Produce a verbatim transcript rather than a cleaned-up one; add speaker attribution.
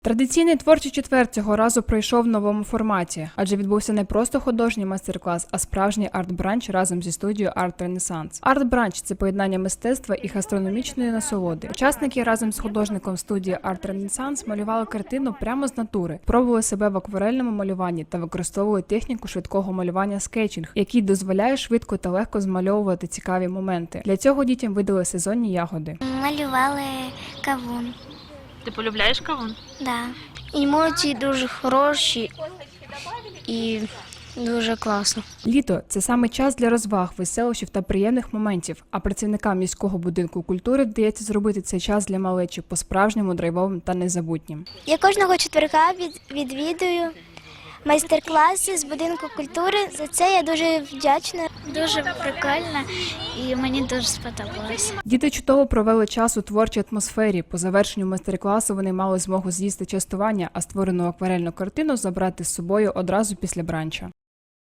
Speaker 1: Традиційний творчий четвер цього разу пройшов в новому форматі, адже відбувся не просто художній майстер-клас, а справжній арт-бранч разом зі студією Арт Ренесанс. Арт-бранч – це поєднання мистецтва і гастрономічної насолоди. Учасники разом з художником студії Арт Ренесанс малювали картину прямо з натури, пробували себе в акварельному малюванні та використовували техніку швидкого малювання скетчинг, який дозволяє швидко та легко змальовувати цікаві моменти. Для цього дітям видали сезонні ягоди.
Speaker 2: Малювали кавун.
Speaker 3: Ти полюбляєш кавун?
Speaker 2: Да. Емоції дуже хороші і дуже класно.
Speaker 1: Літо – це саме час для розваг, веселощів та приємних моментів, а працівникам міського будинку культури вдається зробити цей час для малечі по-справжньому драйвовим та незабутнім.
Speaker 2: Я кожного четверга від, відвідую майстер-класи з будинку культури. За це я дуже вдячна. Дуже прикольно і мені дуже сподобалося.
Speaker 1: Діти чудово провели час у творчій атмосфері. По завершенню майстер-класу вони мали змогу з'їсти частування, а створену акварельну картину забрати з собою одразу після бранча.